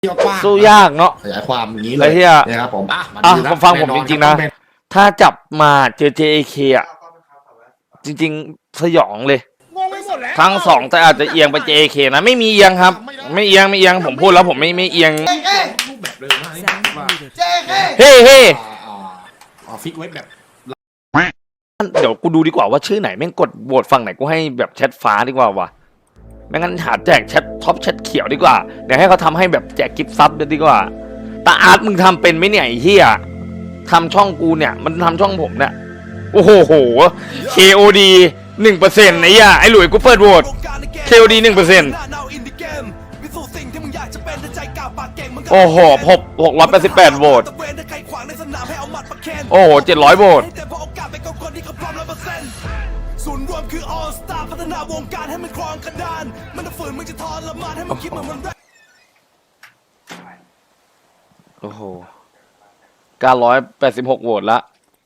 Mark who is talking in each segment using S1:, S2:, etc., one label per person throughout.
S1: ที่กว้าง
S2: สู้ยากเนาะ
S1: ขยายความอย่างนี้เล
S2: ไอ้
S1: ย
S2: เหี้ย
S1: นะครับผม
S2: ผมฟังผมจริงๆนะ ถ้าจับมาเจอ JAK อ่ะจริงๆสยองเลย
S1: งงไปหมดแล้ว
S2: ทั้งสองแต่อาจจะเอียงไป JAK นะไม่มีเอียงครับไม่เอียงผมพูดแล้วผมไม่เอียง
S1: รูปแบบเร็วมากนี่ว่า
S2: เฮ้
S1: ฟิกไว้แบบ
S2: เดี๋ยวกูดูดีกว่าว่าชื่อไหนแม่งกดโหวตฝั่งไหนกูให้แบบแชทฟ้าดีกว่าวะไม่งั้นหาแจกแชทท็อปแชทเขียวดีกว่าเดี๋ยวให้เขาทำให้แบบแจกกิฟต์ซับดีกว่าตาอาร์ตมึงทำเป็นไหมเนี่ยไอ้เหี้ยทำช่องกูเนี่ยมันทำช่องผมเนี่ยโอ้โห KOD 1%ไอ้เหี้ยไอ้หลุยกูเปิดโหวต KOD 1%โอ้โห688โหวตโอ้โห700โหวตศูนย์รวมคือ All Star พัฒนาวงการให้มันครองกระดานมันฝืนมึงจะทรมานให้มันคิดมันโอ้โห986โหวตละ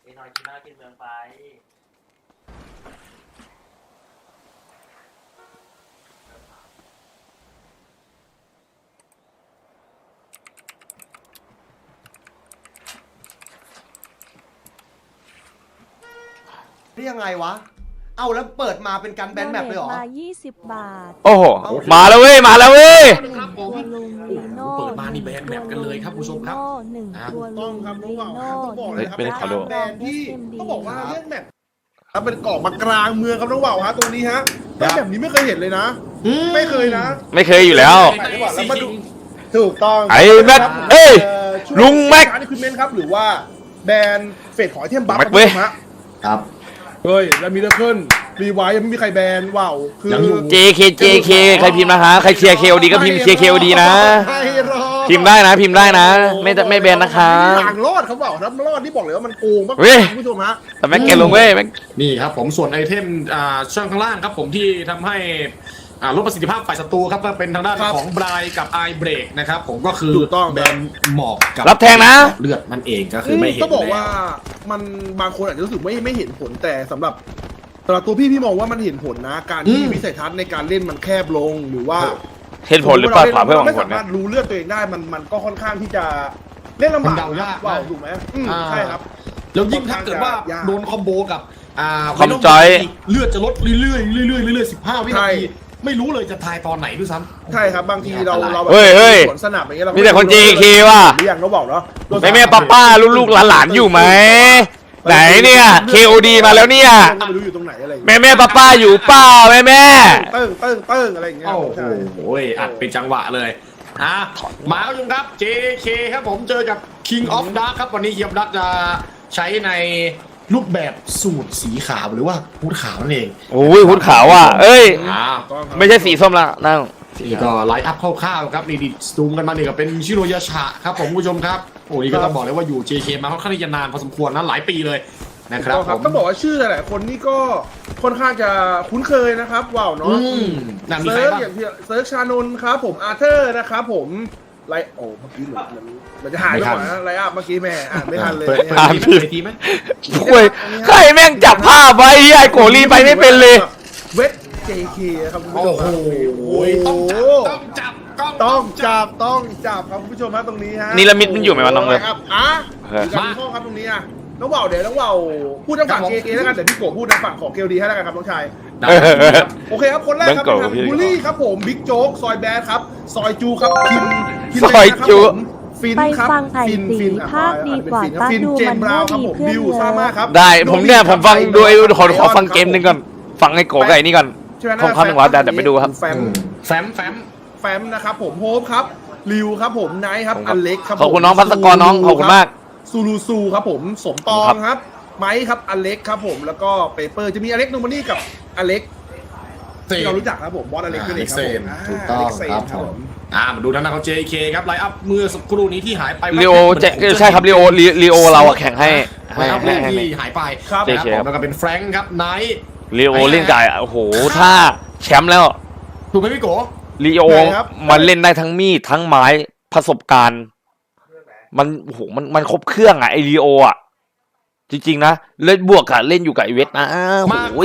S3: นี่ยังไงวะเอาแล้วเปิดมาเป็นการแบนแมปเลยเหรอ
S4: มา20 บาท
S2: โอ้โหมาแล้วเว้ย
S1: ครับผม
S4: ตัวลุงลีโน่
S1: เปิดมานี่แบนแมปกันเลยครับผู้ชมครับ
S4: หนึ่งตัวลุ
S3: ต้อง
S4: ง
S3: ครับรู้
S4: ลี
S3: เปล่า
S4: โน่
S3: ต้องบอกเลยครับ
S2: ไม่ได้ขอดู
S3: แบนที่ต้องบอกว่าเรื่องแมปครับเป็นเกาะมากลางเมืองครับน้องเบาฮะตัวนี้ฮะแล้วแบบนี้ไม่เคยเห็นเลยนะไม่เคยนะ
S2: ไม่เคยอยู่แล้ว
S3: แล้วมาดูถูกต้อง
S2: ไอ้แม็กเอ้ยลุงแม็ก
S3: นี่คือเมนครับหรือว่าแบนเฟดของไอเทมบัฟ
S2: แม็กเว้ย
S1: ครับ
S3: เฮ้ยแล้วมีเดอร์เคิลรีไวยังไม่มีใครแบนว้าวคือ
S1: ยังอยู่
S2: JK ใครพิมพ์นะคะใครเชียร์ KOD ก็พิมพ์เชียร์ KOD นะ
S3: ไม่รอด
S2: พิมพ์ได้นะไม่แบนนะคะ
S3: ทางรอดเขาบอกครับรอดที่บอกเลยว่ามันโกงมาก
S2: เว้ย
S3: คุณผู้ชมฮะ
S2: แต่แม็กแกลงเว้ยแม็ก
S1: นี่ครับผมส่วนไอเทมช่องข้างล่างครับผมที่ทำให้ลดประสิทธิภาพฝ่ายศัตรูครับก็เป็นทางด้านของบรายกับไอเบรกนะครับผมก็คือแบนหมอกกับ
S2: รับแทงนะ
S1: เลือดมันเองก็คือไม่เห็น
S3: ก็บอกว่ามันบางคนอาจจะรู้สึกไม่เห็นผลแต่สำหรับตัวพี่มองว่ามันเห็นผลนะ การที่วิสัยทัศน์ในการเล่นมันแคบลงหรือว่า
S2: เหตุผลหรือเปล่าเพื่อหวัง
S3: ไม่
S2: ผล
S3: สา
S2: นะ
S3: มารถรู้เลือดตัวเองได้มันก็ค่อนข้างที่จะเล่นลำบาก
S1: มันเดายาก
S3: ว่าถูกไหมใช่ครับ
S1: แล้วยิ่งถ้าเกิดว่าโดนคอมโบกับ
S2: คอมจอย
S1: เลือดจะลดเรื่อยๆ15 วินาทีไม่รู้เลยจะทายตอนไหนด้วยซ้ำ
S3: ใช่ครับบางทีเราแบบ
S2: เฮ้ย
S3: สวนสนามอย่างเงี้ยเรา
S2: มีแต่คน JK ว่ะ
S3: หรือยังเราบอกเนาะ
S2: แม่ป้าลูกหลานอยู่ไหมไหนเนี่ย KOD มาแล้วเนี่ย
S3: ไม่รู้อยู่ตรงไหนอะไรอย่างเงี้ย
S2: แม่ป้าอยู่เปล่าแม่
S3: เติ้งอะไรอย่างเงี้ย
S1: โอ้
S3: ใช่
S1: โหอัดเป็นจังหวะเลยมาครับคุณครับ JK ครับผมเจอกับ King of Dark ครับวันนี้ King of Dark จะใช้ในรูปแบบสูตรสีขาวหรือว่าฮู้ดขาวนั่นเอง
S2: โอ้ยหุ่นขาวอ่ะเอ้ย
S3: ต้องครับ
S2: ไม่ใช่สีส้มละนั่ง
S1: นี่ก็ไลฟ์อัพคร่าวๆครับนี่ดิสตูมกันมาเนี่ยก็เป็นชิโรยาชะครับผมผู้ชมครับโอ้นี่ก็ต้องบอกเลยว่าอยู่ JK มาค่อนข้างที่จะนานพอสมควรนะหลายปีเลยนะครับผม
S3: ต้องบอกว่าชื่อหลายๆคนนี่ก็ค่อนข้างจะคุ้นเคยนะครับว้าวเนาะ
S1: นั่นมีใคร
S3: เซิร์ช
S1: บ้าง
S3: อย่างที่เซิร์ชชานนท์ครับผมอาร์เธอร์นะครับผมไลโอ้เมื่อกี้มันจะหายไปก่อนนะไลอัพเมื่อกี้แม่อ่านไม่ทันเลย
S1: เปิด
S3: เนี่ย
S1: ทีไหม
S2: โอ้ยใครแม่งจับภาพไว้ไอ้โกลีไปไม่เป็นเลย
S3: เวท JK ครับคุณผู้ช
S1: โอ้
S3: ม
S1: โห
S3: ครับ
S1: ต้องจับ
S3: ต้องจับครับคุณผู้ชมฮะตรงนี้ฮะ
S2: นิรมิตมันอยู่ไหมวะน้องเลิฟ
S3: ครับอยู่กับพี่โก้ครับตรงนี้อ่ะน้องว่าวเดี๋ยวน้องว่าวพูดทางฝั่ง JK แล้วกันเดี๋ยวพี่โกพูดทางฝั่งของ KLD ให้แล้วกันครับน้องชายโอเคครับคนแรกครับเป็นทางบูลลี่ครับผมบิ๊กโจ๊กซอยแบดครับซอยจูครับคิม
S2: ซอยจู
S3: ฟิน
S4: ไป
S3: ครับ
S4: ฟังไผ่สีภาคดีกว่าป้า
S3: ฟิน
S4: ดู
S3: เจ
S4: มัน น
S3: บรา
S4: ก็
S3: วครับ
S4: มี
S3: ผม
S4: เพื่อน
S3: บิว
S4: เย
S3: ซ่ามากครั
S4: อะ
S3: บ
S2: ได้ผมฟังดูขอฟังเกมหนึ่งก่อนฟังไอ้โกไก่นี่ก่อนของคำหนึ่งว่าเดี๋ยวไปดูครับ
S3: แฟมนะครับผมโฮปครับริวครับผมไนท์ครับอเล็กครับ
S2: ขอบคุณน้องพัสกรน้องขอบคุณมาก
S3: ซูลูซูครับผมสมปองครับไมค์ครับอเล็กครับผมแล้วก็เปเปอร์จะมีอเล็กโนมานี่กับอเล็กที่เรารู้จักครับผมบอสอเล็กนั่นเองครับผม
S1: ถูกต้องครับผมมาดูทางด้านของ JK ครับไลฟ์อัพเมื่อสักครู่นี้ที่หายไป
S2: ลีโอใช่ครับลีโอเราอะแข่งให้
S1: ไลฟ์อัพเรื่องที่หายไป
S3: ครับ
S1: นะครับผมแล้วก็เป็นแฟรงค์ครับไนท์
S2: ลีโอเล่นจ่ายโอ้โหถ้าแชมป์แล้ว
S1: ถูกไหมพี่โก
S2: ลีโอมันเล่นได้ทั้งมีดทั้งไม้ประสบการณ์มันโอ้โหมันครบเครื่องอะไอลีโออะจริงๆนะเล่นบวกกับเล่นอยู่กับไอเวทนะ
S1: มา
S2: โอ้ย
S1: โก้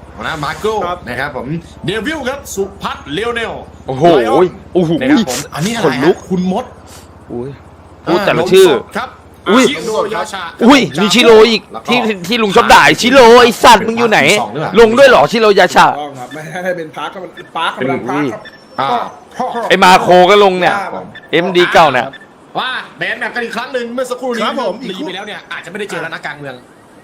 S1: นะมาโก้นะครับผมเดวิลครับสุพัฒน์เลโอเนล
S2: โอ้โหโอ้โห
S1: นะครับผมอันนี้อะไร
S2: ขนลุก
S1: คุณมด
S2: อุ้ยพูดแต่ละชื่อ
S1: ลมสดครับ
S2: อุ้ย
S1: ชิโร่ยาชา
S2: อุ้ยมีชิโร่อีกที่ลุงชอบด่าชิโร่ไอสัตว์มึงอยู่ไหน ลงด้วยเหรอชิโร่ยาชา
S3: ต้องครับไม่ให้เป็นพาร์คก็มันพาร์คกำลังพาร์คครับ
S1: อ่า
S2: ไอมาโคก็ลงเนี่ย MD เก่าเนี่ย
S1: ว่าแบนแบบกันอีกครั้งหนึ่งเมื่อสักครู่นี้
S3: ครับผม
S1: รีไปแล้วเนี่ยอาจจะไม่ได้เจอแล้วนักการเมือง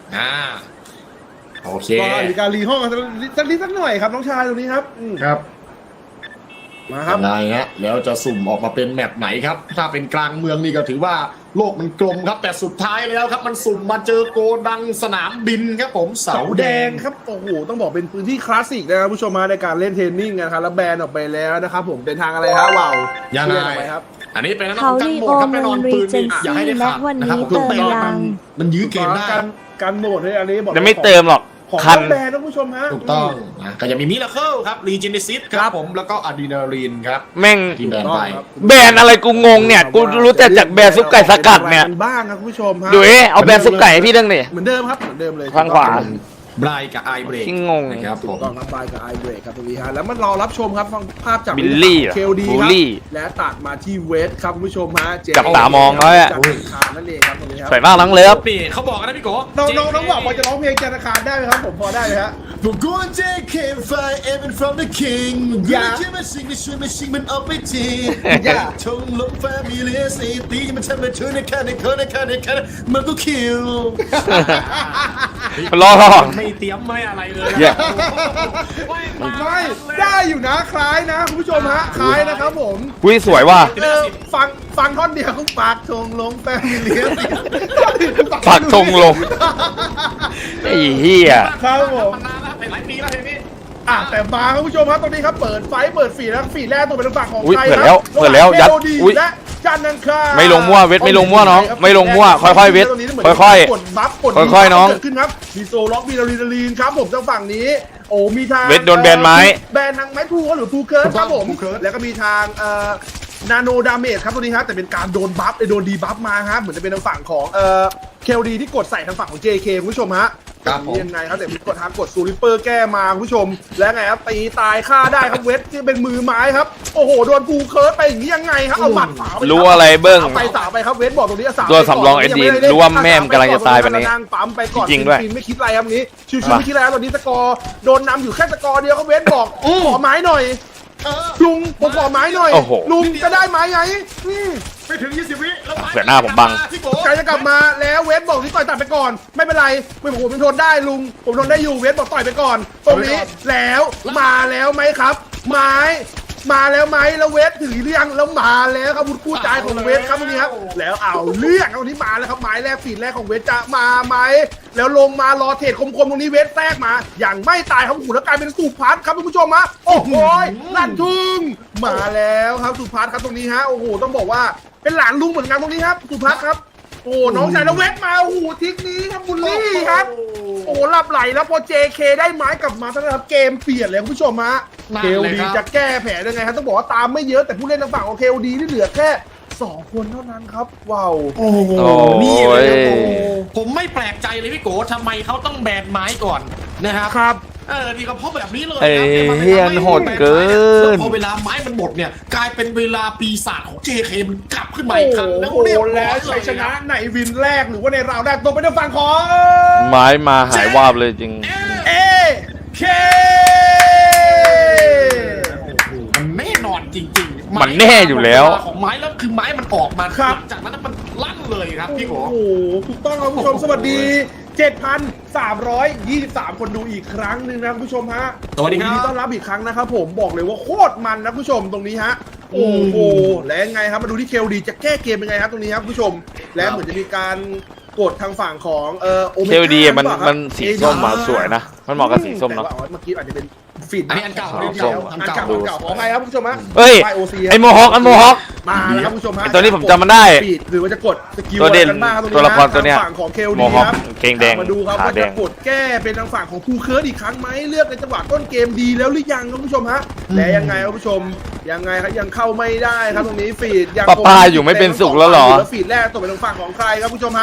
S1: โอเค
S3: ก็มีการรีห้องกันสักหน่อยครับน้องชายตรงนี้ครับ
S1: ครับ
S3: มาครับ
S1: ยังไงฮะแล้วจะสุ่มออกมาเป็นแมปไหนครับถ้าเป็นกลางเมืองนี่ก็ถือว่าโลกมันกลมครับแต่สุดท้ายแล้วครับมันสุ่มมาเจอโกดังสนามบินครับผมเสา
S3: เสา
S1: แด
S3: แด
S1: ง
S3: งครับโอ้โหต้องบอกเป็นพื้นที่คลาสสิกนะครับผู้ชมมาในการเล่นเทรนนิ่งนะครับแล้วแบนออกไปแล้วนะครับผมเป็นทางอะไรฮะว้าว
S1: ยังไง
S3: เลื่อนออกปครับ
S1: อันนี้เป็นนัก
S4: เขา
S1: การ
S4: ลี
S1: โหม
S4: โอ
S1: ดครับแน่นอน
S4: รี
S1: ปืน
S4: เจ
S1: นี่
S4: น
S1: อย่าให้
S4: ซี่
S1: ได้
S4: และ
S1: ขาด
S4: วัน
S1: นะครับ
S4: นี้
S1: ผม
S4: เติม
S1: เตะ
S4: ยัง
S1: มันยื้อเกมได้
S3: การโหมดให้อันนี้บอก
S2: จะไม่เติมหรอก
S3: ของ
S2: คัน
S3: แบนนะผู้ชมฮะ
S1: ถูกต้องนะก็จะมีมิราเคิลครับรีเจนซิสครับผมแล้วก็อะดรีนาลีนครับ
S2: แม่ง
S1: ที่แบนไป
S2: แบรนด์อะไรกูงงเนี่ย กูรู้แต่จากแบรนด์ซุปไก่สกัดเนี่ย
S3: บ้างครับคุณผู้ชมฮะ
S2: ดูเอาแบรนด์ซุปไก่ให้พี่เรื่องหนี่
S3: เหมือนเดิมครับเหมือนเดิมเลย
S2: ข้างขวา
S1: บรายกับไอเบรก
S2: ที่งง
S1: นะครับผม
S3: ต้องรับไปกับไอเบรกครับตรงนี้ฮะแล้วมันรอรับชมครับฟังภาพจาก
S2: บิลลี่เหรอ
S3: เคลดี
S2: บู
S3: ค
S2: ล
S3: รับ
S2: ลี่
S3: และตัดมาที่เวสครับคุณผู้ชมฮะเจ
S2: จับตามองเขาอะ
S3: จันทร์คารนั่นเองครับตรงนี้ครับ
S2: สวยมากทั้งเลิฟ
S1: นี่เขาบอกกันนะพี่โก
S3: น้องบอกว่าจะร้องเพลงจันทร์คารได้ไหมครับผมพอได้ไหมฮะ
S1: ผมกูเจคมไฟเอเวน from the king
S3: อย่า
S1: ช่วยมาชิงมาช่วยมาชิงมันออกไปที
S3: อย่า
S1: ชงลงแฟมิเลียสีตีมันทำมาช่วยในคันในคันในคันในคันมันก็คิว
S2: รอ
S1: ไม่เตรียมไม่อะไรเลย
S2: อย่า
S3: ไม่ได้อยู่นะคล้ายนะคุณผู้ชมฮะคล้ายนะครับผม
S2: อุ้ยสวยว่ะ
S3: ฟังท่อนเดียวเขาปากทงลงแฟมิเลีย
S2: ปักธงลงไอ้เหี้ย
S3: ครับผม
S1: มันนานแล้วเป็นหลายปีแล้วเพลงนี้
S3: แต่มาครับคุณผู้ชมครับตอนนี้ครับเปิดไฟเปิดฟีดแล้วฟีดแรกตัวเป็นฝั่งของ
S2: อุ๊ย
S3: ใคร
S2: เปิดแล้ว
S3: ครับ
S2: เปิดแล้วยัด
S3: ระหาง
S2: อุ๊ย
S3: และจันทร์อังคาร
S2: ไม่ลงมั่วเวทไม่ลงมั่วน้องไม่ลงมั่วค่อยๆเวทค่อยๆ
S3: กดบัฟกด
S2: ค่อยๆน้อง
S3: เกิดขึ้นครับมีโซล็อกมีลาลีนครับผมทางฝั่งนี้โอ้มีทาง
S2: เวทโดนแบนไม้
S3: แบนทางไม้พูหรือพูเคิร์สครับผม
S1: พูเคิร์ส
S3: แล้วก็มีทางนาโนดาเมจครับตัวนี้ฮะแต่เป็นการโดนบัฟโดนดีบัฟมาฮะเหมือนจะเป็นทางฝั่งของเคลดีที่กดใส่ทางฝั่งของ JK คุณผู้ชมฮะ
S1: ครับผม
S3: ยังไงครับแต่มีกดทางกดซูริปเปอร์แก้มาคุณผู้ชม และไงครับตีตายฆ่าได้ครับเวทที่เป็นมือไม้ครับโอ้โหโดนพูเคิร์สไปอย่างนี้ยังไงครับเอาหมัดฝาไป
S2: รู้อะไรเบิ้ง
S3: สาวไปสาวไปครับเวทบอกตรงนี้สาว
S2: ตัวสำรอง SD รู้ว่าแม่มกำลังจะตายไปนี้
S3: นั่งปั๊มไปก่อน
S2: จริงด้วย
S3: ฟินไม่คิดอะไรครับนี้ชิวๆไม่คิดอะไรครับตอนนี้สกอร์โดนนำอยู่แค่สกอร์เดียวครับเวทบอกขอไม้หน่อย ลุงผมขอไม้หน่อย
S2: โอ้โห
S3: ลุงจะได้ไม้ไงอืม
S1: ไปถึง 20 วิแล้ว
S2: เสือหน้าผมบัง
S1: พี่โก
S3: ใจจะกลับมาแล้วเวทบอกที่ต่อยตัดไปก่อน ไม่เป็นไรไม่ผมทนได้ลุงผมทนได้อยู่เวทบอกต่อยไปก่อน ตรงนี้แล้วมาแล้วไหมครับ ไม้มาแล้วไหมแล้วเวทถือเรื่องแล้วมาแล้วครับผู้ใจของเวทครับตรงนี้ครับแล้วเอาเรื่องครับตรงนี้มาแล้วครับไม้แรกฝีดแรกของเวทจะมาไหมแล้วลงมารอเทรดคมๆตรงนี้เวทแทรกมา อย่างไม่ตายครับหูแล้วกลายเป็นสุพัฒน์ครับคุณผู้ชมฮะโอ้โหลั่นทุ่งมาแล้วครับสุพัฒน์ครับตรงนี้ฮะโอ้โหต้องบอกว่าเป็นหลานลุงเหมือนกันตรงนี้ครับสุพัฒน์ครับโอ้น้องชายแล้วเวทมาโอ้โหทิกนี้ครับบุลลี่ครับโอ้หลับไหลแล้วพอ JK ได้ไม้กลับมาท่านนะครับเกมเปลี่ยนเลยคุณผู้ชมฮะ เคลดีจะแก้แผลยังไงครับต้องบอกว่าตามไม่เยอะแต่ผู้เล่นทางฝั่งของเคลดีที่เหลือแค่2 คนเท่านั้นครับว้าว
S1: โอ้โห
S2: โอ้ย
S1: นี่เลยครับโอ้โหผมไม่แปลกใจเลยพี่โกทำไมเขาต้องแบนไม้ก่อนนะครับ
S3: ครับ
S1: นี่ก็เพราะแบบนี้เลย
S2: เอ้ย
S1: ครับ
S2: เฮียนโหดเกิน
S1: แล้วพอเวลาไม้มันหมดเนี่ยกลายเป็นเวลาปีศาจของ JK มันกลับขึ้นมาอีกครั้งแล้ว
S3: โอ้
S1: เรียบ
S3: โห
S1: ร้
S3: แล้
S1: อ
S3: วย ชัยชนะในวินแรกหรือว่าในราวแรกตกไปทางฝั่งของ
S2: ไม้มาหายวาบเลยจริง
S3: เอเค
S1: มันแน่นอนจริงๆ
S2: มันแน่อยู่แล้ว
S1: เาของไม้แล้วคือไม้มันออกมา
S3: ครับ
S1: หลังจากนั้นมันลั่นเลยครับพี่โก
S3: โอ้โหถูกต้องครับคุณผู้ชมสวัสดี 7,323 คนดูอีกครั้งหนึ่งนะคุณผู้ชมฮะ
S1: สวัสดีครับ
S3: ยินต้อนรับอีกครั้งนะครับผมบอกเลยว่าโคตรมันนะคุณผู้ชมตรงนี้ฮะโอ้โหและยังไงครับมาดูที่เคลดีจะแก้เกมยังไงครับตรงนี้ครับคุณผู้ชม และเหมือนจะมีการกดทางฝั่งของโอเม
S2: เคลดี
S3: ก้า
S2: มัน
S3: หรือปล่า
S2: มันสีส้มมาสวยนะ มันเหมาะกับสีส้มเนาะ
S3: แต่ว่าเมื่อกี้อาจจะเป็นฟีด
S1: อันนี้อันเก่า
S2: ขาว
S1: อัน
S2: ส้
S1: เก่าม อัน
S3: อัน
S1: เก่า
S3: เก่าขออภัยครับคุณผู้ชมฮะ
S2: เฮ้ย
S3: ไฟ OC
S2: ไอโมฮอคอันโมฮอค
S3: มาแล้วครับคุณผู้ชมฮะ
S2: ไอ้ตัวนี้ผมจำมันได้
S3: ฟีดหรือว่าจะกดสกิล
S2: ตัวเด่น
S3: อะไรกันบ้างครับ
S2: ตัวละครตัวเนี้ย
S3: ทางฝั่งของเคล
S2: โม
S3: ดี
S2: ฮอค
S3: ครับ
S2: เกงแดง
S3: มาดูครับ
S2: ขา
S3: ว่า
S2: แด
S3: จะ
S2: ง
S3: กดแก้เป็นทางฝั่งของภูเคิร์ดอีกครั้งไหมเลือกในจังหวะต้นเกมดีแล้วหรือยังครับคุณผู้ชมฮะและยังไงครับคุณผู้ชมยังไงครับยังเข้าไม่ได้ครับตรงนี้ฟีดยัง
S2: ป้าอยู่ไม่เป็นสุขแล้วเหรอ
S3: ฟีดแรกตกเป็นทางฝั่งของใครครับคุณผู้ชมฮะ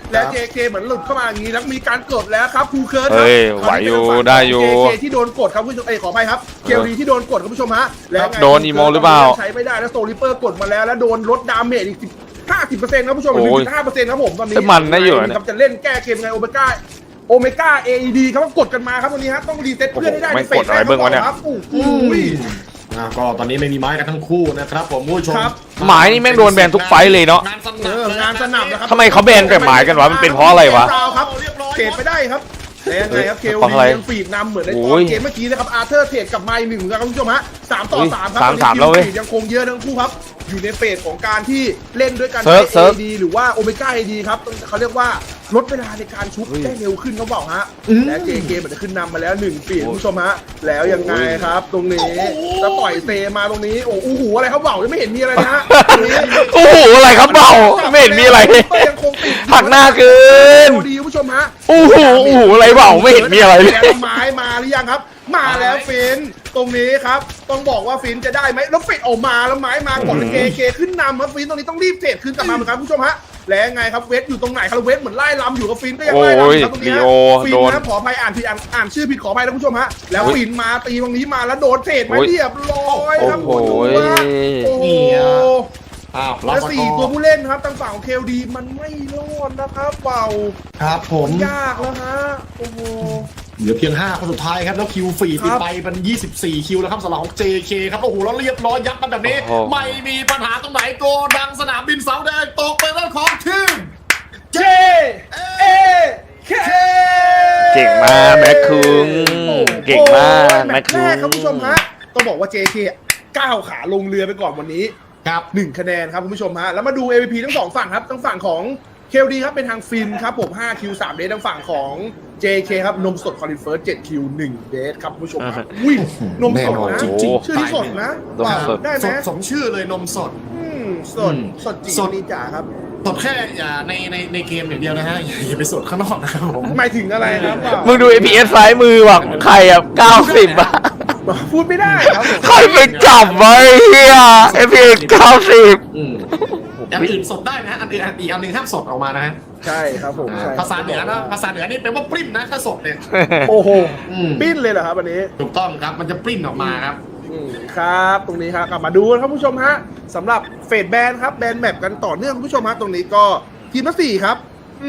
S3: และ JK เหมือนหลุดเข้ามาอย่างนี้แล้วมีการกดแล้วครับภูเคิร์ด
S2: เฮ้ยไหวอยู่ได้อยู่
S3: JK ที่โดนกดครับคุณผู้ชมขออภัยครับเคลดีที่โดนกดครับคุณผู้ชมฮะแล้วไง
S2: โดนอีโมหรือเปล่า
S3: ใช้ไม่ได้แล้วโซลิเปอร์กดมาแล้วแล้วโดนลดดาเมจอีก50%ครับผู้ชม
S2: โอ้ย
S3: 1.5%ครับผมตอนนี้
S2: แต่มันนะอยู่นะ
S3: ครับจะเล่นแก้เกมไงโอเมก้า AED ครับกดกันมาครับวันนี้ฮะต้องรีเซ็ตเพื่อนให้ได้
S2: โอ้โห
S3: ในเฟส
S2: ไม่กดอะไรเบิ่งวะเนี่ย
S3: ครับโอ้โห
S1: ก็ตอนนี้ไม่มีไม้กันทั้งคู่นะครับผมผู้ชม
S3: ครับ
S2: หมายนี่แม่งโดนแบนทุกไฟต์เลยเนาะ
S1: งานส
S3: เอ
S1: นับ
S3: องานสนับนะครับ
S2: ทำไมเขาแบนแต่หมายกันวะมันเป็นเพราะอะไรวะ
S3: ครับเทรดไปได้ครับแล้วยังไงครับเคล
S2: เพราะอะไร
S3: ยังฟีดนำเหมือนใน
S2: โอ้
S3: ตอน
S2: ย
S3: เกมเมื่อกี้นะครับอาร์เธอร์เทรดกับไมล์หนึ่งครับคุณผู้ชมฮะ3 ต่อ
S2: อุ้ย
S3: 3ครับ
S2: 3-3แล้วเว้ย
S3: ฟีดยังคงเยอะทั้งคู่ครับอยู่ในเฟสของการที่เล่นด้วยกัน
S2: เซิร์ฟ
S3: AD หรือว่าโอเมก้า AD ครับเขาเรียกว่าลดเวลาในการชุบได้เร็วขึ้นเขาบอกฮะและ JK เหมือนจะขึ้นนำมาแล้ว1ฟีดคุณผู้ชมฮะแล้วยังไงครับตรงนี้จะต่อยเซมาตรงนี้โอ้โหอะไรเขาบอกยังไม่เห็นมีอะไรนะฮะตรงนี้
S2: โอ้โหอะไรครับเบาไม่เห็นมีอะไร
S3: ยังคงติด
S2: หักหน้าเกิน
S3: ดีคุณผู้ชมฮะ
S2: โอ้โหโอ้โหอะไรเบาไม่เห็นมีอะไรเลย
S3: แล้วไม้มาหรือยังครับ มาแล้วฟินตรงนี้ครับต้องบอกว่าฟินจะได้ไหมแล้วฟินออกมาแล้วไม้มาก่อนเคเคขึ้นนำครับฟินตรงนี้ต้องรีบเทรดคืนกลับมาเหมือนกันคุณผู้ชมฮะแล้วยังไงครับเวทอยู่ตรงไหนครับเวทเหมือนไล่ลำอยู่กับฟินก็ยังไล่ลำอยู่ครับตรงนี้ฮะ
S2: โอ้ย
S3: ฟิน
S2: โดน
S3: นะขออภัยอ่านชื่อผิดขออภัยนะคุณผู้ชมฮะแล้วฟินมาตีตรงนี้มาแล้วโดนเทรดมา
S2: โอ้ย
S3: เรียบร้อยครับ
S2: โอ้โห
S3: คุณผู้ชมฮะโอ้โห
S1: อ้าวรับ
S3: และ
S1: มา
S3: สี่
S1: ก่อน
S3: ตัวผู้เล่นครับทางฝั่งของเคลดีมันไม่รอดนะครับเบา
S1: ครับผม
S3: ยากแล้วฮะโอ้โห
S1: เหลือเพียง5คนสุดท้ายครับแล้วคิวฟรี
S3: ครั
S1: ติด
S3: บ
S1: ไปเป็น24คิวแล้วครับสำหรับของ JK ครับโอ้โหแล้วเรียบร้อยยัดมันแบบนี้
S2: โอ้โห
S1: ไม่มีปัญหาตรงไหนโกดังสนามบินเสาแดงตกเป็นเรื่องของทีม
S3: เจเอเค
S2: เก่งมากแม็กคุงเก่งมาก
S3: แม
S2: แม็
S3: ต
S2: ก
S3: ช์
S2: คุ
S3: แร
S2: ง
S3: กครับคุณผู้ชมฮะต้องบอกว่า JK ก้าวขาลงเรือไปก่อนวันนี้
S1: ครับ
S3: 1 คะแนนครับคุณผู้ชมฮะแล้วมาดู MVP ทั้ง2ฝั่งครับทั้งฝั่งของเคลดีครับเป็นทางฟินครับผม5คิว3เดททางฝั่งของ JK ครับนมสดคอลินเฟิร์ส7คิว1เดทครับคุณผู้ชมฮะอุ้ยนมสด
S1: แน่นอน
S3: นะ
S1: จริงๆ
S3: ชื่อที่สดนะ
S2: นมสด
S3: ได้ไห
S1: ส
S3: ม
S1: ดสมชื่อเลยนมสด
S3: สดสดจริง
S1: สด
S3: นี่จ๋าครับ
S1: สดแค่อย่าในเกมอย่างเดียวนะฮะอย่าไปสดข้างนอกนะครับผม
S3: หมายถึงอะไรครับ
S2: มึงดู APS ซ้ายมือว่ะใครอ่ะ90อ่ะ
S3: พูดไม่ได้ครับผม
S2: ใครไปจับไว้เฮีย APS 90
S1: อืมอย่างอื่นสดได้นะอันอื่นอีกอันหนึ่งห้ามสดออกมานะฮะ
S3: ใช่ครับผมใช่
S1: ภาษาเหนือนะภาษาเหนือนี่แปลว่าปริ้นนะถ้าสดเนี่ย
S3: โอ้โห
S1: อืม
S3: ปิ้นเลยเหรอครับวันนี้
S1: ถูกต้องครับมันจะปริ้นออกมาครับ
S3: ครับตรงนี้ครับกลับมาดูครับผู้ชมฮะสำหรับเฟดแบนครับแบนแมปกันต่อเนื่องคุณผู้ชมฮะตรงนี้ก็ทีมละ4ครับ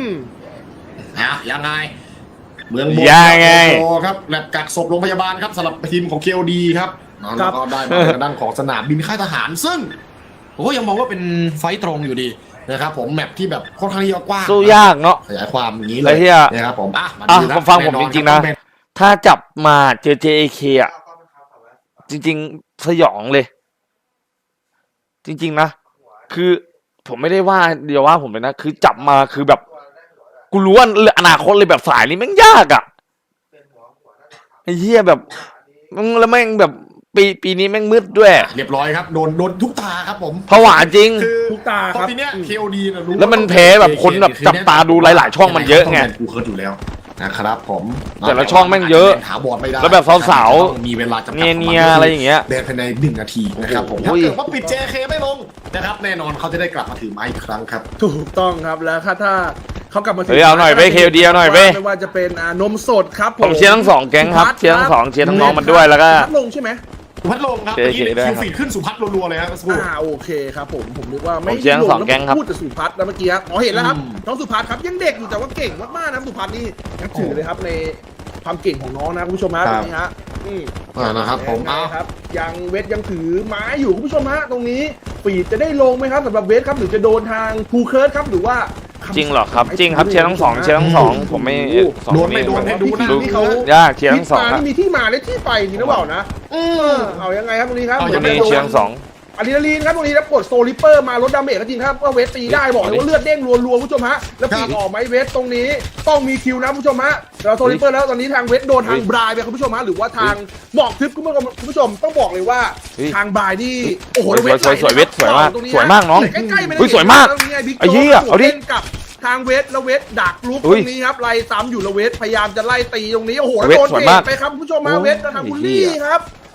S1: ยังไงเมืองบน
S2: ยังไง
S1: โอ้ครับแลบกักศพโรงพยาบาลครับสำหรับทีมของ KOD ครับแล้วก็ได้มาทางด้านของสนามบินค่ายทหารซึ่งผมก็ยังมองว่าเป็นไฟต์ตรงอยู่ดีนะครับผมแมปที่แบบค่อนข้างที่จะกว้าง
S2: สู้ยากเนาะ
S1: ขยายความอย่างนี้เล
S2: แล้
S1: ยว
S2: เหี้ย
S1: นะครับผมมา
S2: อ่ะ
S1: ดูนะ
S2: ฟังผม
S1: แน่นอน
S2: จริงๆนะ
S1: คบ
S2: ถ้าจับมาเจอ JK อ่ะ จริงๆ สยองเลย จริง ๆ นะ คือผมไม่ได้ว่าเดียวว่าผมเลยนะ คือจับมาคือแบบ กูรู้ว่าอนาคตเลยแบบสายนี้แม่งยากอ่ะไอ้เหี้ยแบบมึงแล้วแม่งแบบปีนี้แม่งมืดด้วย
S1: เรียบร้อยครับโดนทุกตาครับผม
S2: ผวาจริง
S1: คือ
S3: ทุกตา
S1: เพ
S3: ครับ
S1: ราะปีเนี้ย KOD นะรู้
S2: แล้วมันแพ้แบบคนแบบจับตาดูหลายๆช่องมันเยอะไง
S1: ต้ป็นกูเคิร์ดอยู่แล้วนะครับผม
S2: แต่ละช่องแม่งเยอะ
S1: ถาวรไม่ได้
S2: แล้วแบบสาวๆ
S1: ต้องมีเวลาจำกัด
S2: เนียๆอะไรอย่างเงี้ย
S1: เดินภายใน1 นาทีนะครับผม
S2: โอ้
S1: ถ้า
S2: โห
S1: เกิดว่าปิด JK ไม่ลงนะครับแน่นอนเขาจะได้กลับมาถือไม้อีกครั้งครับ
S3: ถูกต้องครับแล้วถ้าเขากลับมาถึง
S2: เฮ้ยเอาหน่อยเว้ย KOD เอาหน่อยเว้ย
S3: ไม่ว่าจะเป็นนมสดครับ
S2: ผมเชียร์ทั้งสองแก๊งครับเชียร์ทั้งสองเชียร์ทั้งน้องมันด้วยแล้วก็
S3: พัดลงใช่ไหม
S1: สุพัฒน์ลงครับ
S2: JK
S1: เมื่อกี้
S2: ด้วย
S1: คิวฟีดขึ้นสุพัฒน์รัวๆเลยครับสักครู่
S3: โอเคครับผมนึกว่าไม่
S2: ผมเชียร์ทั้งสองแก๊งครับ
S3: พูดแต่สุพัฒน์แล้วเมื่อกี้ครับเห็นแล้วครับ
S1: อืม
S3: น้องสุพัฒน์ครับยังเด็กอยู่แต่ว่าเก่งมากๆนะสุพัฒน์นี่นับถือเลยครับในความเก่งของน้องนะคุณผู้ชมฮะตรงนี้ฮะ
S1: นะครับผม
S3: เอาครับยังเวทยังถือไม้อยู่คุณผู้ชมฮะตรงนี้ฟีดจะได้ลงไหมครับสำหรับเวทครับหรือจะโดนทางภูเคิร์ดครับหรือว่า
S2: จริงเหรอครับ จริงครับเชียร์ทั้งสองเชียร์ทั้งสองผมไม่สอง
S1: โดนไม่โดนให้ดูนะ
S2: ดู
S3: ที่เขา
S2: ยากเชียร์ทั้งสอง
S3: ที่
S2: ครับ
S3: มานี่มีที่มาและที่ไปจริงหรือเปล่านะเอายังไงครับตรงนี้ครับ
S1: เอา
S2: ตรงนี้เชียร์ทั้งสอง
S3: อะดรีนาลีนครับตรงนี้แล้วกดโซลิเปอร์มาลดดาเมจก็จริงครับว่าเวทตีได้บอกเลยว่าเลือดเด้งรัวๆคุณผู้ชมฮะแล้วปีกออกไหมเวทตรงนี้ต้องมีคิวนะคุณผู้ชมฮะเราโซลิเปอร์แล้วตอนนี้ทางเวทโดนทางบรายไปคุณผู้ชมฮะหรือว่าทางบอกทึบคุณผู้ชมต้องบอกเลยว่าทางบรายนี่โอ้โห
S2: สวยเวทสวยมากสวยมากน้อง
S3: ใกล้ๆ
S2: อุ้ยสวยมากไอ้เหี้ยเอาดิ
S3: กับทางเวทแล้วเวทดักลุก
S2: อุ้
S3: ต
S2: ย
S3: รงนี้ครับไล่ซ้ำอยู่แล้วเวทพยายามจะไล่ตีตรงนี้โอ้โหแล้ว
S2: เวท
S3: โดน
S2: สวย
S3: เตะ
S2: มาก
S3: ไปครับคุณผู้ชมฮะเวททางบุลลี่ครับ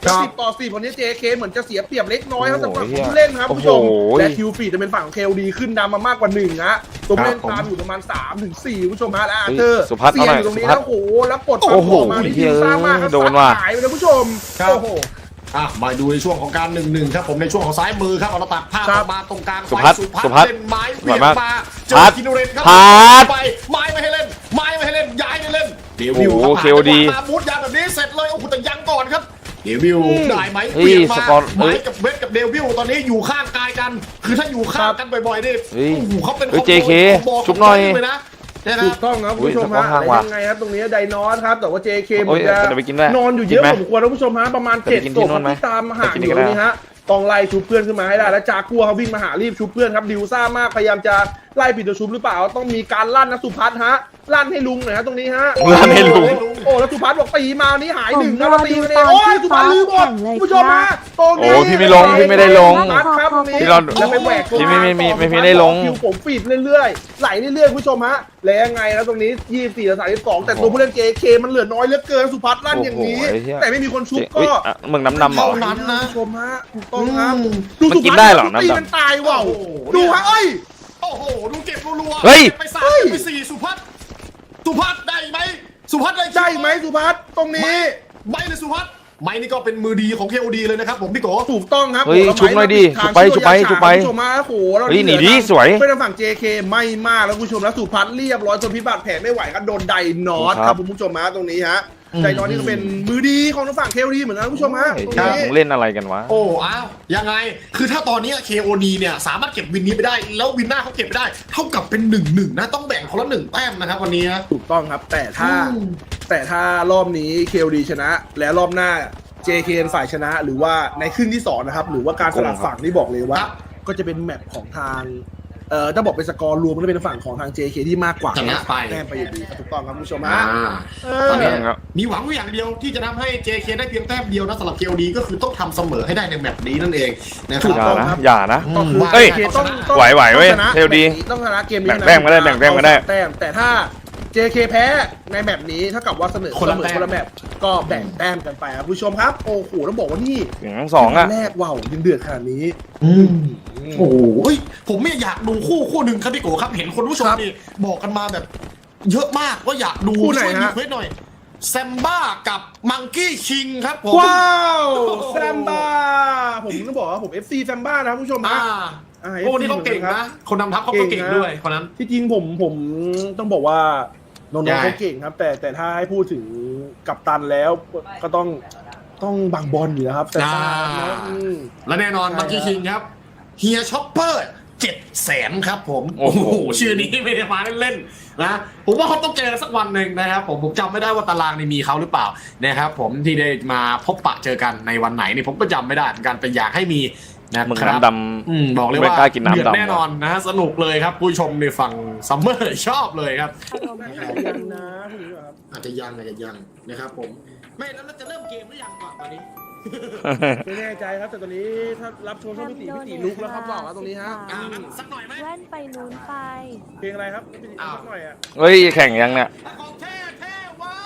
S3: 10-10คนนี้ JK เหมือนจะเสียเปรียบเล็กน้อยครับสำหรับ
S2: โอ้โห
S3: ผู้เล่นครับ
S2: โอ้
S3: ผู้
S2: โห
S3: ชมและคิวฟีดจะเป็นฝั่งของ KOD ขึ้นนำมามากกว่า1นะตัวผู้เล่นตามอยู่ประมาณ3-4ผู้ชมฮะและอาร์เธอร์
S2: สุพัฒน์
S3: เสีย
S2: เอาหน่อย
S3: อยู่ตรงนี้
S2: สุพัฒน์
S3: แล้วโอ้โหแล้วกด
S2: โอ้โห
S3: มาที่ทีมสร้างมากครับ
S2: โดนว่ะ
S3: หายไปเลยผู้ชม
S1: ครับ
S3: โอ้โห
S1: มาดูในช่วงของการ1-1ครับผมในช่วงของซ้ายมือครับเราตัดภาพ
S3: ครับ
S1: มาตรงกลาง
S2: สุพัฒน์
S1: สุ
S2: สุพัฒน์
S1: เล่นไม้เวียง
S2: สวยมาก
S1: มาเจ
S2: พั
S1: อ
S2: ฒน์
S1: คิโนเรนครับ
S2: พัฒน์
S1: ไปไม้ไม่ให้เล่นไม้ไม่ให้เล่นย้ายไม่เล่นเดวิล
S2: โอ้โห
S1: ครับ
S2: KOD
S1: มาบูทยาแบบนี้เสร็จเลยโอ้โหแต่ยังก่อนครับเดวิลได้ไหม
S2: เฮ้ย
S1: เวียงมา
S2: สกอร์เฮ้
S1: ไม้
S2: ย
S1: กับเวทกับเดวิลตอนนี้อยู่ข้างกายกัน คือถ้าอยู่ข้างกันบ่อยๆนี่
S2: เฮ้ย
S1: โอ้โหเขาเป็น
S2: เฮ้ย
S1: คอมโบ
S2: JK
S1: คอมโบ
S2: ชุบหน่อย
S1: เลยนะนะค
S3: ถู
S1: รับ
S3: กต้องครับคุณผู้ชม
S2: อุ้
S3: ฮะ
S2: ยสกอร์ห่างว่ะ
S3: ยังไงครับตรงนี้ไดนอนครับแต่ว่า JK เห
S2: โอ้
S3: มื
S2: ย
S3: อนจะ
S2: เดี๋ยวไปกินด้วย
S3: นอนอยู่เยอะ
S2: กินไหม
S3: ผมควรนะคุณผู้ชมฮะประมาณ
S2: เดี๋ยวไปกิน
S3: 7
S2: ที่
S3: ศพ
S2: นู่นไหม
S3: ที่ตามห่าง
S2: ไปกิน
S3: อยู่
S2: กันได้
S3: นี่ฮะต้องไล่ชุบเพื่อนขึ้นมาให้ได้แล้วจากัวเขาวิ่งมาหารีบชุบเพื่อนครับดิวซ่ามากพยายามจะไล่ปิดตัวชุบหรือเปล่าต้องมีการลั่นนะสุพัฒน์ฮะลั่นให้ลุงหน่อยฮะตรงนี้ฮะ
S2: ลั่นให้ลุง
S3: โอ้แล้วสุพัฒน์บอกตีมานี้หายหนึ่ง
S4: ผม
S3: แล้ว
S4: รอ
S3: ตี
S4: ดู
S3: กันเอ
S4: ต
S3: ง
S4: อน
S3: โอ้ย
S4: ที่
S3: สุพัฒน์ลืมหมด
S4: ฟ้าแข่งเลย
S3: คุณผู้ชม
S4: ครั
S3: ฮะ
S4: บ
S3: ตรงนี้
S2: โอ้พี่ไม่ลงพี่ไม่ได้ลง
S3: สุพัฒน์ครับตรงนี้
S2: พี่รอ
S3: แล้วไปแหวกตัว
S2: พี่ไม่
S3: ต่อ
S2: ไม่ได้ลง
S3: คิวผมฟีดเรื่อยๆไหลเรื่อยๆคุณผู้ชมฮะแล้วยังไงแล้วตรงนี้24-32แต่ตัวผู้เล่น JK มันเหลือน้อยเหลือเกินสุพัฒน์ลั่นอย่างนี้
S2: โอ้โหไอ้เหี้ย
S3: แต่ไม่มีคนชุบ
S2: อุ๊ย
S3: ก็
S2: อ่ะมึงน้ำเหรอ
S1: เท่านั้นนะ
S3: คุณผู้ชมฮะถูกต้องครับ
S1: อืม
S3: ดู
S2: มัน
S3: สุ
S2: กิน
S3: พัฒ
S2: ได้เหรอ
S3: ตี
S2: น้ำดำ
S3: มันตายว่าว
S1: โอ้โห
S3: ดูฮะเอ้ย
S1: โอ้โหดูเก็บรัวๆ
S2: เฮ้ย
S1: ไป3ไป4สุพัฒน์ได้ไหมสุพัฒน์ได้คิว
S3: ได้ไหมสุพัฒน์ตรงนี้
S1: ไม่เลยสุพัฒน์ไม่นี่ก็เป็นมือดีของ KOD เลยนะครับผมพี่โก
S3: ถูกต้องครับ
S2: เฮ้ย
S3: โอ้โ
S2: ชุบหน่อยดิ
S3: ทาง
S2: ชุบไป
S3: ช่วย
S2: ชุบไป
S3: ยาฉางคุณผู้ชมฮะโอ้โหแล้ว
S2: เฮ้ยหนี
S3: เห
S2: ดิ
S3: ลือ
S2: สวย
S3: เป็นทางฝั่ง JK ไม่มากแล้วคุณผู้ชมแล้วสุพัฒน์เรียบร้อยจนพิบัติแผลไม่ไหวครับโดนไดนอต
S2: ค
S3: ค
S2: รั
S3: รับ บคุณผู้ชมฮะตรงนี้ฮะไดนอตนี่ก็เป็นมือดีของทางฝั่ง KOD เหมือนกันคุณผู้ชมฮะ
S2: ไอ้
S3: ตรง
S2: เหี้ย
S3: นี้
S2: มึงเล่นอะไรกันวะ
S1: โอ้อ้าวยังไงคือถ้าตอนนี้ KOD เนี่ยสามารถเก็บวินนี้ไปได้ แล้ววินหน้าเขาเก็บไปได้ เท่ากับเป็น 1-1 นะต้องแบ่งคนละ1 แต้มนะครับวันนี้นะ
S3: ถูกต้องครับแต่ถ้ารอบนี้ KOD ชนะ และรอบหน้า JK เป็นฝ่ายชนะ หรือว่าในครึ่งที่สองนะครับหรือว่าการสลับฝั่งนี่บอกเลยว่า
S1: ครับ
S3: ก็จะเป็นแมปของทางถ้าบอกเป็นสกอร์รวมก็จะเป็นฝั่งของทาง JK ที่มากกว่า
S1: ชนะไป
S3: แต้มไปอยู่ดีครับถูกต้องครับคุณผู้ชม
S1: อ่า
S3: ฮะ
S1: ตอนนี้
S2: ครับ
S1: มีหวังอย่างเดียวที่จะทำให้ JK ได้เพียงแต้มเดียวนะสำหรับ KOD ก็คือต้องทำเสมอให้ได้ในแมปนี้นั่นเองนะค
S3: ถู
S1: รับ
S3: ก
S2: อย่า
S3: ต้อง
S2: นะครับ อย่านะ
S3: ก็คือ
S1: เฮ้ย
S3: JK ต้อง
S2: ไหวๆเว้ย
S3: ต้องชนะ
S2: KOD
S3: ต้องชนะเกมนี้
S2: แบ่งแต้มก็ได้แบ่งแต้มก็ได้
S3: แต้มแต่ถ้า JK แพ้ในแมปนี้เท่ากับว่าเสมอ
S1: คนละแต้ม
S3: คนละแมปก็แบ่งแต้มกันไปครับผู้ชมครับโอ้โหต้องบอกว่านี่
S2: อย่างทั้งสองอ่ะ
S3: แรกว้าวยังเดือดขนาดนี้
S1: โอ้โหเฮ้ยผมไม่อยากดูคู่หนึ่งครับพี่โกครับเห็นคนผู้ชม
S3: ครับ
S1: นี่บอกกันมาแบบ เยอะมากว่าอยากดู
S3: คู่ไหน
S1: ช่วย
S3: ฮะ
S1: รีเควสหน่อยแซมบ้ากับมังกี้คิงครับผม
S3: ว้าว
S1: โอ้โห
S3: แซมบ้าผมต้องบอกว่าผม FC แซมบ้านะผู้ชม
S1: อ่า
S3: ฮะ
S1: โอ้นี่เขาเก่งนะ คนนำทัพเขาก็เก่งด้วยคนนั้น
S3: ที่จริงผมต้องบอกว่าน้อง
S1: ใช่
S3: ๆเขาเก่งครับ แต่ถ้าให้พูดถึงกัปตันแล้วก็ต้องบังบอลอยู่แล้วครับแต่ตามนะ
S1: และแน่นอน
S3: ใช่
S1: มังกี้คิงครับเฮียช็อปเปอร์700,000ครับผม
S2: โอ้
S1: โอ้
S2: โห
S1: โหชื่อนี้ไม่ได้มาเล่นๆนะผมว่าเขาต้องเจอสักวันหนึ่งนะครับผมจำไม่ได้ว่าตารางนี่มีเขาหรือเปล่านะครับผมที่ได้มาพบปะเจอกันในวันไหนนี่ผมก็จำไม่ได้เหมือนกันแต่อยากให้มีนะ
S2: มึง
S1: ครับ
S2: น้ำดำ
S1: บอกเลย
S2: ไม่
S1: ว่าก
S2: ล้ากินน้ำ
S1: เดือด
S2: ดำ
S1: แน่นอนนะสนุกเลยครับผู้ชมในฝั่งซัมเมอร์ชอบเลยครับ
S3: ยังนะคุณผู้ชมครับ
S1: อาจจะยังนะครับผมไม่แล้วเราจะเริ่มเกมหรือยังก่อนตอนนี้
S3: ไม่แน่ใจครับแต่ตอนนี้ถ้ารับชมช่องพี่ตีลุกแล้วครับบอกว่าตรงนี้ฮะ
S1: งั้นสักหน่อยไหม
S4: แว่นไปนู้นไป
S3: เพลงอะไรครับพี่ตีสักหน่อยอ่ะ
S2: เฮ้ยแข่งยังเนี่ย
S1: ของแท้แท้วะ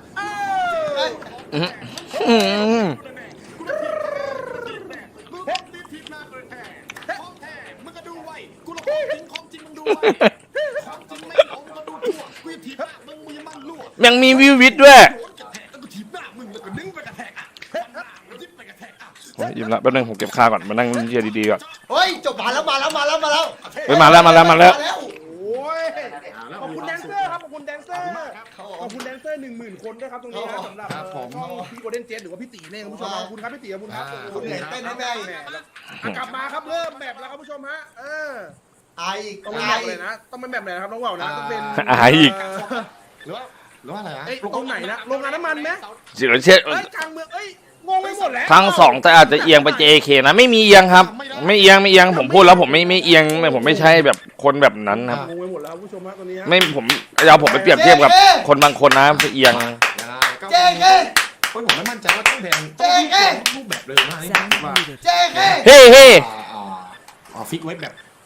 S2: อื้อหือ
S1: เพชรดิทิพย์นาเกินแท้ของแท้มึงก็ดูไว้กูละของจริงมึงดูไว้ของจริงไม่เอามึงก็ดูทั่วกูจะถีบหน้ามึงยังมันรั่ว
S2: ยังมีวิววิทด้วย
S1: โดนกระแทกแล้วก็ถีบหน้ามึงแล้วก็ดึงไปกระแทกอ่ะยิบไปกระแทกอ่ะ
S2: โอ้ยยิ้มละแป๊บนึงผมเก็บค่าก่อนมานั่งเชียร์ดีๆก่อน
S5: เฮ้ยจบมาแล้ว
S2: เฮ้ยมาแล้ว
S3: โอ้ยขอบคุณแดนเซอร์ครับขอบคุณแดนเซอร์ขอบคุณแดนเซอร์10,000 คนด้วยครับตรงนี้นะสำหรับช่องพี่โกลเด้นเจสหรือว่าพี่ตีเนี่ยคุณผู้ชมขอบคุณครับพี่ตีขอบคุณครับ
S5: คุณเหนื่อยเต้นให้แม่อีก
S3: กลับมาครับเริ่มแบบแล้วครับผู้ชมฮะ
S5: ไออีก
S3: ต้องเป็นแบบเลยนะต้องเป็นแบบไหนนะครับน้องว่าวนะต้องเป็น
S2: อายอีก
S1: หรือว่าอะไรนะ
S3: เอ้ยตรงไหนนะโรงงานน้ำมันไหม
S2: เดี๋ยวเช็ด
S3: เอ้ยกลางเมืองเอ้ยงงไปหมดแล้ว
S2: ทั้งสองแต่อาจจะเอียงไป JK นะไม่มีเอียงครับ ไม่เอียงผมพูดแล้วผมไม่เอียงผมไม่ใช่แบบคนแบบนั้นครับ
S3: งงไปหมดแล้วผู้ชมฮะตอนนี้ฮะ
S2: ไม่ผมเอาผมไปเปรียบเทียบกับคนบางคนนะไปเอียง
S5: เจ๊เ
S1: ผมไม่มั่นใจว่าต้องแดงรูปแบบเลยนะนี่ว่า
S5: จ๊
S2: เฮ้
S1: ฟิกไว้แบบ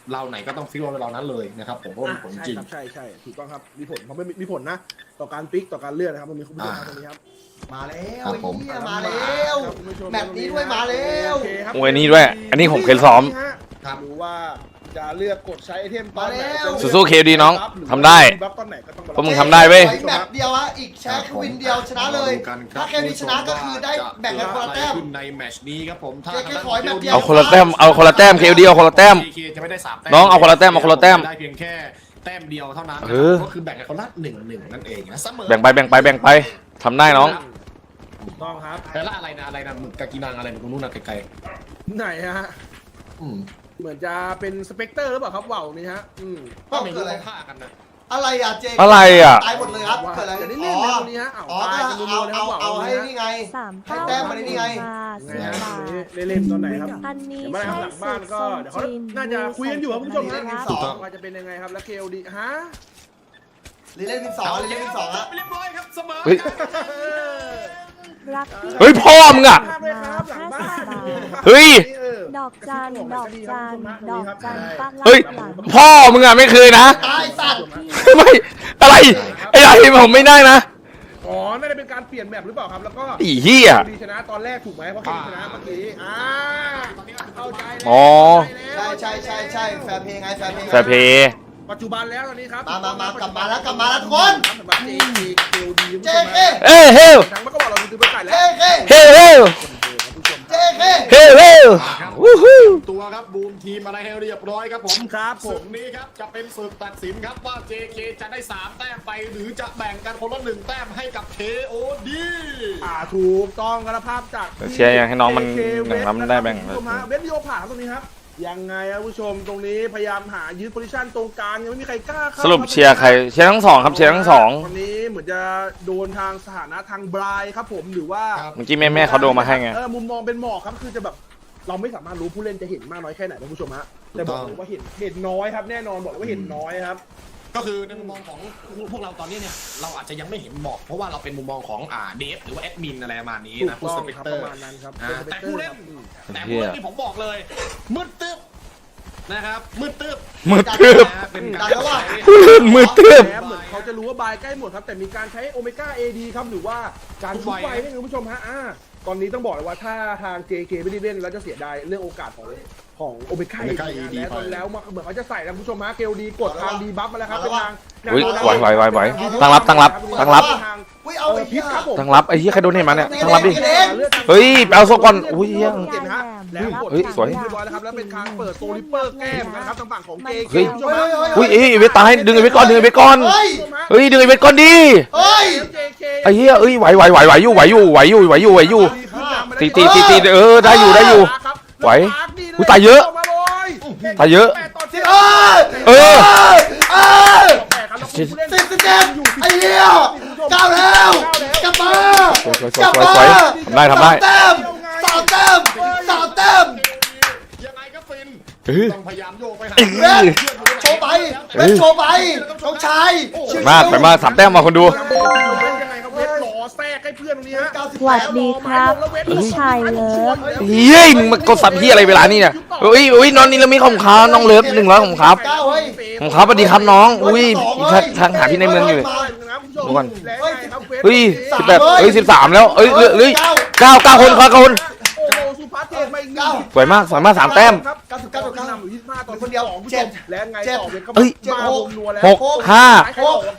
S1: เราไหนก็ต้องฟิกว่าเรานั้นเลยนะครับผมเพราะมันผลจริง
S3: ใช่ถูกต้องครับมีผลเขาไม่มีผลนะต่อการปิกต่อการเลื่อนนะครับมันมีคุณผู้ชมครับตรงนี้ครับ
S5: มาแล้ว
S1: ครับผม
S5: เหี้ยมาแล้วแมปนี้ด้วยมาแล้ว
S2: โอ้ยนี่ด้วยอันนี้ผมเคยซ้อม
S1: ครับ
S3: ดูว่าจะเลือกกดใช้ไอเทมตอนไหน
S2: สู้ๆ KOD น้องทำได้
S3: บัฟตอนไหนก็ต้อง
S2: พวกมึงทำได้เว้ย
S5: แมปเดียวอะอีกแชร์คือวินเดียวชนะเลย ถ้าแค่นี้ชนะก็คือได้แบ่งกันคนละแต้ม
S1: ขึ้นในแมตช์นี้ครับผมถ้า
S5: เจ๊ขอให้แบบเดียว
S2: เอาคนละแต้มเอาคนละแต้ม KOD เอาคนละแต้ม
S1: JK จะไม่ได้3แต้ม
S2: น้องเอาคนละแต้มเอาคนละแต้ม
S1: ได้เพียงแค่แต้มเดียวเท่านั้น
S2: เออ
S1: ก็คือแบ่งกันคนละ1-1นั่นเองนะเสมอ
S2: แบ่งไปทำได้น้อง
S3: ถูกต้องครับ
S1: แต่ละอะไรนะหมึกกากินังอะไรตรงนู้นนะไกล
S3: ไหนฮะ
S1: ๆอืม
S3: เหมือนจะเป็นสเปกเตอร์หรือเปล่าครับว่าวนี่ฮะ
S1: ก็ไม่รู้เขาฆ่ากันนะ
S5: อะไรอะเจ
S2: อะไรอ่ะ
S5: ตายหมดเลยครับเกิดอะไร
S3: จะได้
S5: อ๋
S3: เล่น
S5: อ
S3: แล้วตรงนี้ฮะ
S5: อ๋อ
S3: ตายกันรัวๆเลยครับว่าว
S5: เอาให้
S3: นี่
S5: นี่ไง
S4: สาม
S5: ให้แต้มมาได้นี่ไง
S3: ไง
S4: 10
S3: ฮะ
S4: บาท
S3: เล่นตอนไหนครับ
S4: อันนี้
S3: เดี๋ยวมา
S4: ใช่
S3: หลังบ้านก็เดี๋ยวเขา
S4: จีน
S3: น่าจะคุยกันอยู่ครับคุณผู้ชม
S5: เล่
S3: นะ
S5: นเป็นสอง
S3: ว่าจะเป็นยังไงครับแล้ว KOD ฮะ
S5: เล่นเป็นสองเล่นเป็นสองอะ
S1: เรียบร้อยครับเสมอ
S2: เฮ้ย
S4: รักที่
S2: เฮ้ยพ่อมึงอะ
S3: ภาพเลยครับหลังบ้าน
S2: เฮ้ย
S4: ดอกจันดอกจันดอกจันตั้ง
S2: เฮ้ย
S4: หลัง
S2: พ่อมึงอ่ะไม่เคยนะ
S5: ตายสัตว์
S2: ไม่อะไรไอ้ไรผมไม่ได้นะ
S3: อ๋อน่าจะเป็นการเปลี่ยนแบบหรือเปล่าครับแล้วก็
S2: ไอ้เหี้ย
S3: ดีชนะตอนแรกถูกไหมเพราะเคชนะเมื่อกี้เข้าใจแล้ว
S2: อ๋อ
S5: ใช่แฟร์เพลย์ไงแฟร์เพลย์
S2: แฟร์เพย์
S3: ปัจจุบันแล้วตอนนี้ครับ
S5: มากลับมาแล้วทุกคน
S3: สำหรับ KOD
S5: เจเค
S2: เอ้ยเฮ้ย
S3: ทั้งมันก็บอกเราดูไปไก่
S5: เจ
S3: แล้ว
S5: เค
S2: เฮ้ย
S5: เจเค
S2: เฮ้ยวู้ฮู้
S1: ตัวครับบูมทีมอะไรให้เรียบร้อยครับผม
S3: ครับผ
S1: ศึ
S3: ม
S1: กนี้ครับจะเป็นศึกตัดสินครับว่า JK จะได้3แต้มไปหรือจะแบ่งกันคนละ1แต้มให้กับ KOD
S3: ถูกต้องกระภาพจาก
S2: เชียร์ยังให้น้องมันอย่างนั้นได้แบ่ง
S3: เว็บวิดีโอผ่านตรงนี้ครับยังไงครับผู้ชมตรงนี้พยายามหายืดโพซิชันตรงกลางยังไม่มีใครกล้าเข้า
S2: สรุปเชียร์ใครเชียร์ทั้งสองครับเชียร์ทั้งสอง
S3: วันนี้เหมือนจะโดนทางสถานะทางบรายครับผมหรือว่า
S1: ครับ
S2: เมื่อกี้แม่เขาโดนมาให้ไง
S3: มุมมองเป็นหมอกครับคือจะแบบเราไม่สามารถรู้ผู้เล่นจะเห็นมากน้อยแค่ไหนนะผู้ชมฮะแต่บอกเลยว่าเห็นน้อยครับแน่นอนบอกเลยว่าเห็นน้อยครับ
S1: ก็คือในมุมมองของพวกเราตอนนี้เนี่ยเราอาจจะยังไม่เห็นหมอกเพราะว่าเราเป็นมุมมองของเดฟหรือว่าแอดมินอะไรประมาณนี้
S3: ถูก
S1: นะผู้
S3: ต้อ
S1: ส
S3: ง
S1: เปก
S3: ครับ
S1: เตอ
S3: ประ
S1: ร์
S3: มาณนั้นครับ
S1: แต่ผู้เล่นที่ผมบอกเลยมืดตึ๊บนะครับมืดตึ๊บ
S2: มืดตึ๊บ
S1: เป็นการใช้
S2: ผู้เล่นมือตึ๊บ
S3: แเหมือนเขาจะรู้ว่าบายใกล้หมดครับแต่มีการใช้โอเมก้า AD ครับหรือว่าการชุบไฟนี่คุณผู้ชมฮะตอนนี้ต้องบอกเลยว่าถ้าทาง JK ไม่ได้เล่นแล้วจะเสียดายเรื่องโอกาสของโอเมก้า AD แล้วตอนแล้วเหมือนเขาจะใส่นะคุณผู้ชมฮะ KOD กดทางดีบัฟมาแล้วครับเป็นทาง
S2: อุ้ยไหวตั้งรับ
S5: อุ้ยเอาไอ้เหี้ย
S2: ตั้งรับไอ้เหี้ยใครโดนเห็นมาเนี่ยตั้งรับดิเฮ้ยไปเอาโซก่อนอุ้ยเหี้ย
S3: เก็บนะฮะแล้วกด
S2: เฮ้ยสวย
S3: เรียบร้อยแล้วครับแล้วเป็นการเปิดโซลิปเปอร์แก้มนะครับทางฝั่งของ JK
S2: เฮ้ย
S3: คุณผู้ชมฮะ
S2: อุ้ยไอ้เวทตายดึงไอ้เวทก่อนดึงไอ้เวทก่อน
S5: เฮ้ย
S2: เฮ้ยดึงไอ้เวทก่อนดิ
S5: เฮ้ย
S2: ไอ้เหี้ยเอ้ยไหวอยู่ตีได้อยู่ไหวอุ้ยตายเยอะตายเยอะ
S5: เอ้ย
S3: สิบ
S5: 10 ไอ้เหี้ยก้าวแล้วกลับมาก
S2: ลับมาทำได้
S5: สามแต้ม
S1: ยังไงก็ฟิน
S2: เออ
S1: ต้องพยายามโยกไปหา
S5: เว้นโชว์ไปน้องชาย
S2: ไปมาก3แต้มมาคนดู
S3: ยังไงครับเวทหล่อแทรกให้เพื่อนตรงนี้ฮะ
S4: สวัสดีครับพี่ชายเลิฟ
S2: เฮ้ยมึงมากดสับพี่อะไรเวลานี้เนี่ยอุ้ยน้องนี่เรามีของค้าน้องเลิฟ100ของครับ
S5: ก้าวเฮ้ย
S2: ของครับสวัสดีครับน้องอุ้ยทางหาพี่ในเมืองอยู่ดูก่อนเฮ้ย18เฮ้ย13แล้วเอ้ยเฮ้ย9คนครับ9คน
S3: โอ้โหสุภาพเทพมาอีกหนึ่ง
S2: สวยมาก3แต้ม
S3: 99นำอยู่ที่5ต่อ
S5: คนเดียว
S3: 2
S5: เจ็ด
S3: และไงต่อเวทก็
S2: เอ้ย
S3: มาวงนัวแล้ว
S2: 6 5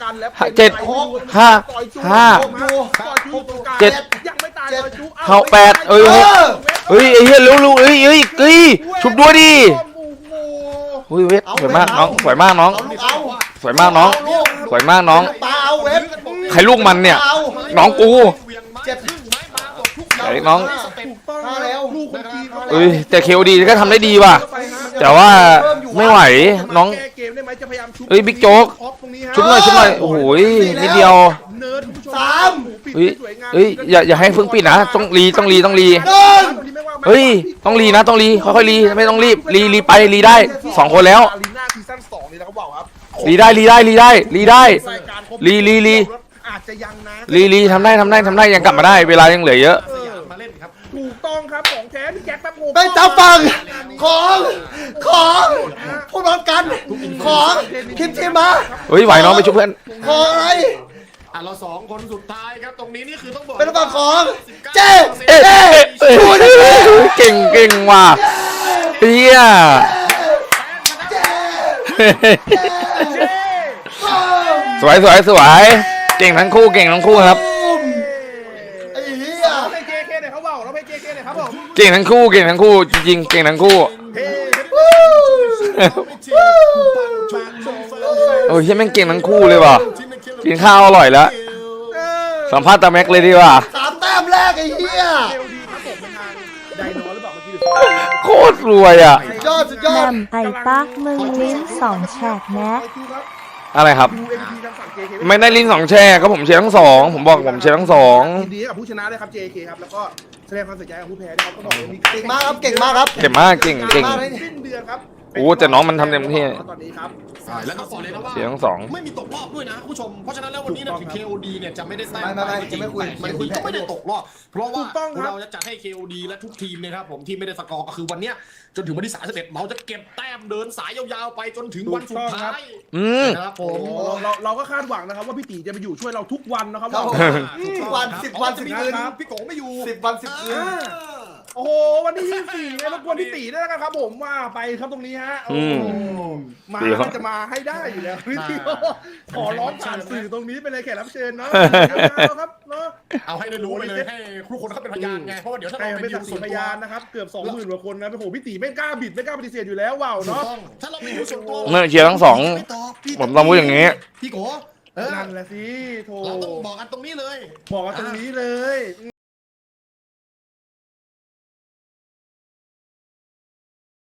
S2: 7
S3: ยังไม่ตาย
S2: 5 8เอ้ยเฮ้ยไอ้เหี้ยรู้เอ้ยชุบด้วยดิอุ้ยเวทสวยมากน้องสวยมากน้อง สวยมากน้องสวยมากน้อง
S5: ปาเอาเว็บ
S2: ใครลูกมันเนี่ย น้องกู
S1: เจ็บครึ่งไม้มาหมดทุกอย่าง
S2: ไอ้น้อง
S5: มาแล้ว
S3: ลูกคนจีน
S2: เอ้ยแต่เคโอดีก็ทำได้ดีว่ะแต่ว่าไม่ไหวน้อง
S3: แก้เกมได้ไหมจะพยายามชุบ
S2: เอ้ยบิ๊กโจ๊ก
S3: ออฟตรงนี้ฮะ
S2: ชุบหน่อยโอ้โหนิดเดียว
S3: เนิร์ดคุณผู้ชม
S5: สาม
S2: เฮ้ยอย่าให้เพิ่งปิดนะต้องรี
S5: หนึ่ง
S2: เฮ้ยต้องรีนะต้องรีค่อยๆรีไม่ต้องรีบรีไปรีได้2คนแล้ว
S3: อารีนาซีซั่น2นี่นะครับบอกครับ
S2: รีได้รีได้
S3: รายการครบ
S2: ลี
S3: อาจจะยังนะ
S2: รีทำได้ยังกลับมาได้เวลายังเหลือเยอะ
S1: สยามมาเล่นครับ
S3: ถูกต้องครับของแท้พี่แจ็คแป๊บโง่
S5: เป็นตาฟังของพูดพร้อมกันของทีมมา
S2: เฮ้ยไหวน้องไปช่วยเพื่อน
S5: ของอะไร
S1: เราสองคนสุดท้ายครับตรงนี้นี่คือต้องบอก
S5: เป็นตาฟังของเจ
S2: เอ๊ะ
S5: พูดได้ไหม
S2: เก่งว่ะเฮีย สวยเก่งทั้งคู่ครับ
S5: ไอ้เหี้ย
S3: เราไป JK หน่อยเขาบอกเราไป JK หน่อยครับผม
S2: เก่งทั้งคู่จริงๆเก่งทั้งคู่
S3: เฮ้
S2: โอ้ยเฮียแม่งเก่งทั้งคู่เลยว่ะกินข้าวอร่อยแล้วสัมภาษณ์ตาแม็กเลยดีกว่า
S5: 3 แต้มแรกไอ้เหี้ย
S3: เดีครับผมเป็นทางไดโนหรือเปล่าเมื่อกี้
S2: โคตรรวยอ่ะ
S5: สุดยอ
S4: แห
S5: ด
S4: ม่มไอ้ปักมึงลิ้น2แฉกแนะ
S2: อะไรครับ
S3: ดู MVP ทางฝั่ง JK
S2: ไม่ได้ลิ้น2 แช่ก็ผมเชียร์ทั้งสองผมบอกผมเชียร์ทั้งสอง
S3: ยินดีกับผู้ชนะด้วยครับ JK ครับแล้วก็แสดงความเสียใจกับผู้แพ้ด้วยครับก็บอกเลยมี
S5: เก่งมากครับเก่งมากครับ
S2: เก่งมากเก่ง
S3: สิ้นเดือนครับ
S2: โอ้แต่น้องมันทำเต็มที่
S3: ตอนนี้ครับ
S1: แล้วก็บอกเลยนะว่า
S2: เชียร์ทั้งสอง
S1: ไม่มีตกรอบด้วยนะคุณผู้ชมเพราะฉะนั้นแล้ววันนี้นะถึง KOD เนี่ยจะไม่ได้แต้ม
S5: ไม่จะไม่คุย
S1: มันคุยก็ไม่ได้ตกรอบเพราะว่า
S3: ถูกต้องครับ
S1: เราจะจัดให้ KOD และทุกทีมนะครับผมที่ไม่ได้สกอร์ก็คือวันเนี้ยจนถึงวันที่31เราจะเก็บแต้มเดินสายยาวๆไปจนถึงวันสุดท้าย
S2: อืม
S1: นะครับผ
S3: โอ้
S1: ม
S3: โหเราก็คาดหวังนะครับว่าพี่ตีจะไปอยู่ช่วยเราทุกวันนะครับ
S5: ครับผม
S1: ถูก
S5: วัน
S1: ครับ
S5: 10 วัน
S1: จะ
S5: 10
S1: มี
S5: คืน
S1: พี่โกไม่อยู่
S5: 10 วัน 10 คืน
S3: โอ้โหวันที่24เนี่ยรบกวนพี่ตีด้วยนะครับผมว่าไปครับตรงนี้ฮะโอ้โหมา
S2: ดีครับ
S3: จะมาให้ได้อยู่แล้วพี่ตีขอร้องผ่านสื่อตรงนี้ไปเลยแขกรับเชิญเนาะครับเนาะ
S1: เอาให้ได้รู้ไปเลยให้ทุกคนเขาเป็นพยานไงเพราะว่าเดี๋ยวถ้า
S3: ใคร
S1: เรา
S3: เป็น
S1: ดิ
S3: สั
S1: ว
S3: กขี
S1: ส่วน
S3: พ
S1: ตัวย
S3: านนะครับเกือบ 20,000 กว่าคนนะโอ้โหพี่ตีไม่กล้าบิดไม่กล้าปฏิเสธอยู่แล้วว้าว
S1: ถูก
S3: เนาะ
S1: ต้องถ้าเรามีดิวส่วนตัว
S2: เมื่อเชียร์ทั้งสอง
S1: ไม่ตอบพี่
S2: ผมต้องพูดอย่างนี้
S1: พี่โกเออ
S3: นั่นแหละสิโถ
S1: เราต้องบอกกันตรงนี้เลย
S3: บอกกันตรงนี้เลย